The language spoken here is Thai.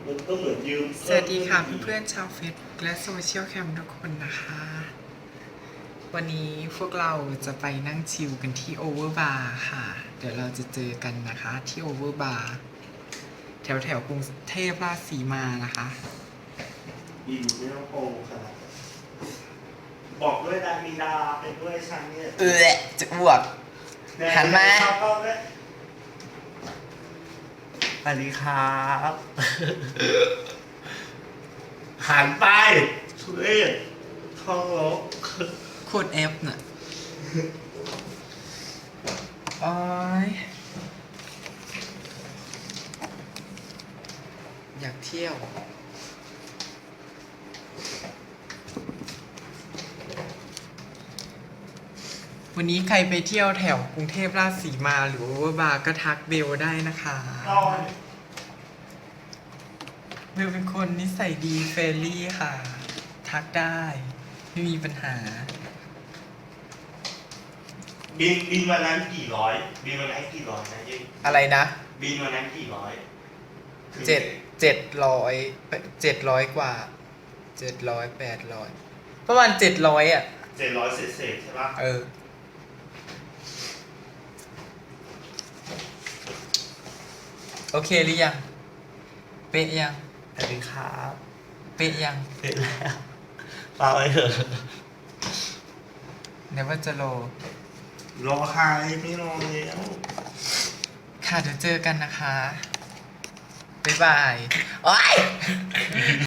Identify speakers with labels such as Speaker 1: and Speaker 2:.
Speaker 1: มันก็เหมือนยืม
Speaker 2: สวัสดีค่ะเพื่อนๆชาวเฟซบุ๊กและโซเชียลแคมทุกคนนะคะ วันนี้พวกเราจะไปนั่งชิลกันที่โอเวอร์บาร์ค่ะ เดี๋ยวเราจะเจอกันนะคะที่โอเวอร์บาร์แถวกรุงเทพราชสีมานะคะ
Speaker 1: บินไม่ต้องโกงขนาดนั้นบอกด้วยดามีดาเป็นด้วยฉันเนี่ย
Speaker 2: จะอ้วก หันมา
Speaker 1: สวัสดีครับหันไปช่วยท้องรก
Speaker 2: โคตรเอฟน่ะโอ้ยอยากเที่ยว วันนี้ใครไปเที่ยวแถวกรุงเทพราชสีมาหรือว่าบาร์ก็ทักเบลได้นะคะ
Speaker 1: นอน
Speaker 2: เบลเป็นคนนิสัยดีเฟรนลี่ค่ะ ทักได้ไม่มีปัญหา
Speaker 1: บินวันนั้นกี่ร้อยบินวันนั้นกี่ร้อยนะยิ่ง
Speaker 2: อะไรนะ
Speaker 1: บินวันนั้นกี่ร้อยถึง
Speaker 2: 700กว่า700 800ประมาณ700อ่ะ
Speaker 1: 700เศษใช่ปะ
Speaker 2: โอเคหรือยัง เป๊ะยัง
Speaker 1: สวัสดีครับ
Speaker 2: เป๊ะยัง
Speaker 1: เสร็จแล้วเปล่าไว้เถอะ
Speaker 2: เนว่าจะโล
Speaker 1: รอใครไม่รอแล้ว
Speaker 2: ค่ะเดี๋ยวเจอกันนะคะ บ๊ายบาย โอ๊ย